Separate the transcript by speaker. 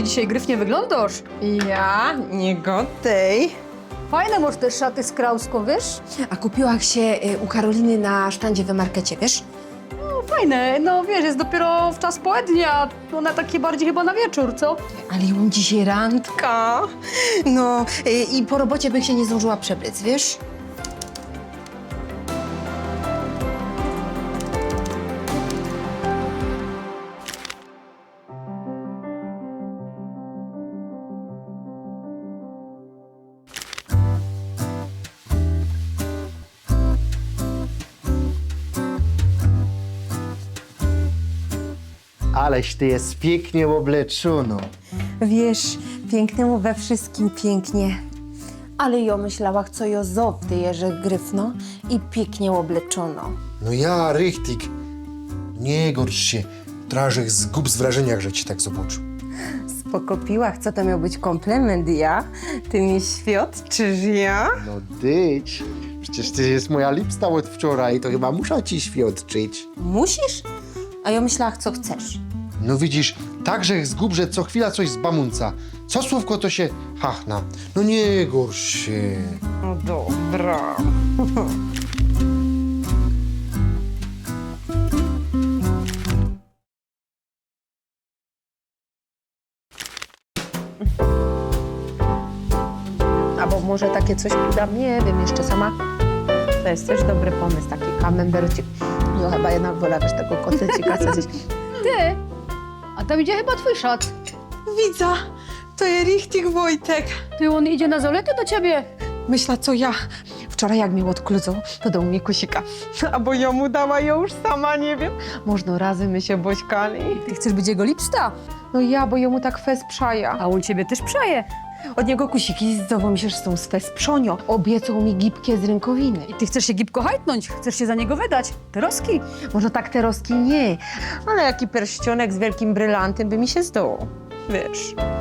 Speaker 1: dzisiaj gryfnie wyglądasz.
Speaker 2: Ja? Nie godej.
Speaker 1: Fajne masz te szaty z krauską, wiesz?
Speaker 2: A kupiłam się u Karoliny na sztandzie w markecie, wiesz?
Speaker 1: No fajne, no wiesz, jest dopiero w czas południa, one takie bardziej chyba na wieczór, co?
Speaker 2: Ale ja mam dzisiaj randka. No i po robocie bym się nie zdążyła przebrać, wiesz?
Speaker 3: Aleś ty jest pięknie obleczona.
Speaker 2: Wiesz, pięknemu we wszystkim pięknie. Ale ja myślała, co jo zowdy, że gryfno i pięknie obleczono.
Speaker 3: No ja, richtig. Nie gorsz się. Trażek zgub z wrażenia, że ci tak zobaczył.
Speaker 2: Spoko piłach, co to miał być komplement, ja? Ty mi świadczysz, ja?
Speaker 3: No dyć. Przecież ty jest moja lipsta od wczoraj, to chyba muszę ci świadczyć.
Speaker 2: Musisz? A ja myślała, co chcesz.
Speaker 3: No widzisz, także zgub, że co chwila coś z bamunca. Co słówko to się hachna. No nie gorsz się.
Speaker 2: No dobra. Albo może takie coś udam, nie wiem, jeszcze sama. To jest też dobry pomysł, taki kamembercik. No chyba jednak wolę wiesz, tego kotlecika zjeść.
Speaker 1: Ty, a tam idzie chyba twój szat.
Speaker 2: Widza, to jest richtig Wojtek.
Speaker 1: Ty, on idzie na zolety do ciebie.
Speaker 2: Myśla, co ja. Wczoraj jak mnie odkludzą, to dał mi kusika. A bo ja mu dała, ja już sama nie wiem. Można razem my się bośkali.
Speaker 1: Ty chcesz być jego lipsta,
Speaker 2: No ja, bo jemu tak fez przaja.
Speaker 1: a on ciebie też przeje.
Speaker 2: Od niego kusiki zdował mi się, że są z fez przonio. Obiecał mi gipkie z rękowiny.
Speaker 1: I ty chcesz się gipko hajtnąć, chcesz się za niego wydać. Te roski.
Speaker 2: Może tak te roski nie, ale jaki pierścionek z wielkim brylantem by mi się zdał. Wiesz.